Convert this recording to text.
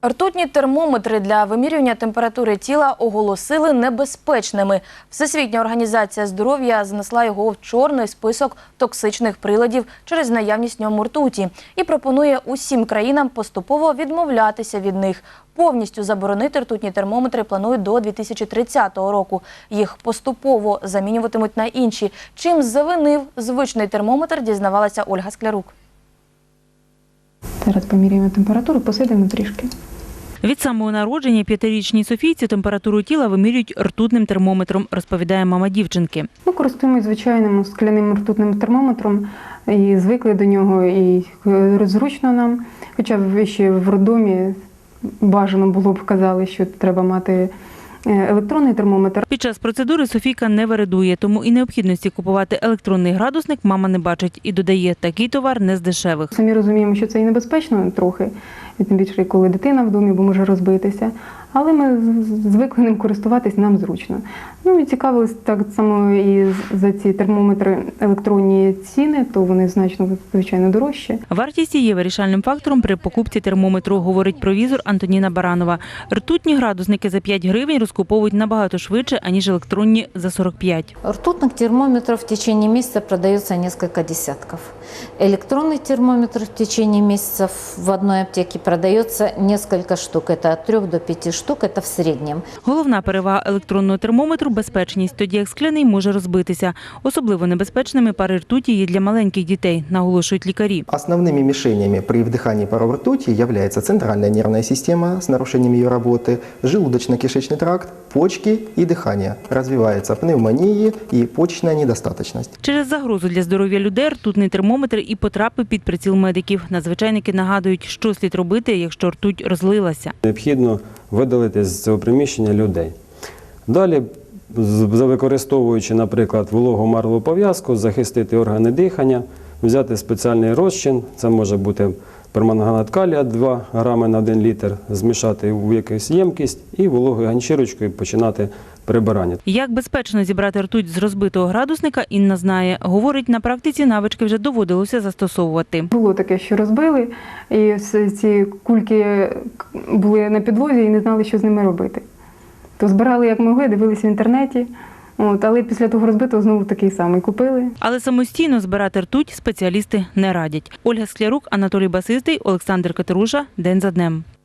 Ртутні термометри для вимірювання температури тіла оголосили небезпечними. Всесвітня організація здоров'я занесла його в чорний список токсичних приладів через наявність в ньому ртуті і пропонує усім країнам поступово відмовлятися від них. Повністю заборонити ртутні термометри планують до 2030 року. Їх поступово замінюватимуть на інші. Чим завинив звичний термометр, дізнавалася Ольга Склярук. Зараз поміряємо температуру, посидимо трішки. Від самого народження 5-річній Софійці температуру тіла вимірюють ртутним термометром, розповідає мама дівчинки. Ми користуємося звичайним скляним ртутним термометром і звикли до нього, і зручно нам. Хоча ще в роддомі бажано було б казали, що треба мати електронний термометр. Під час процедури Софійка не вередує, тому і необхідності купувати електронний градусник мама не бачить. І додає, такий товар не з дешевих. Самі розуміємо, що це і небезпечно трохи, і тим більше, коли дитина в домі, бо може розбитися. Але ми звикли ним користуватись, нам зручно. Ну і цікавились так само і за ці термометри електронні ціни, то вони значно, звичайно, дорожчі. Вартість є вирішальним фактором при покупці термометру, говорить провізор Антоніна Баранова. Ртутні градусники за 5 гривень розкуповують набагато швидше, аніж електронні за 45. Ртутных термометров в течение месяца продается несколько десятков. Электронный термометр в течение месяца в одной аптеке продается несколько штук. Это от 3 до 5 штук, это в среднем. Головна перевага електронного термометру – безпечність, тоді як скляний може розбитися. Особливо небезпечними пари ртуті є для маленьких дітей, наголошують лікарі. Основными мишенями при вдыхании паров ртути является центральная нервная система с нарушением ее работы, желудочно-кишечный тракт, почки и дыхание. Развивается пневмонии и почечная недостаточность. Через загрозу для здоров'я людей ртутний термометр і потрапив під приціл медиків. Надзвичайники нагадують, що слід робити, якщо ртуть розлилася. Необхідно видалити з цього приміщення людей. Далі, використовуючи, наприклад, вологу марлеву пов'язку, захистити органи дихання, взяти спеціальний розчин, це може бути перманганат калія 2 грами на 1 літр, змішати в якусь ємкість і вологою ганчірочкою починати прибирання. Як безпечно зібрати ртуть з розбитого градусника, Інна знає. Говорить, на практиці навички вже доводилося застосовувати. Було таке, що розбили, і ці кульки були на підлозі і не знали, що з ними робити. То збирали як могли, дивилися в інтернеті, але після того розбитого знову такий самий купили. Але самостійно збирати ртуть спеціалісти не радять. Ольга Склярук, Анатолій Басистий, Олександр Катеруша. День за днем.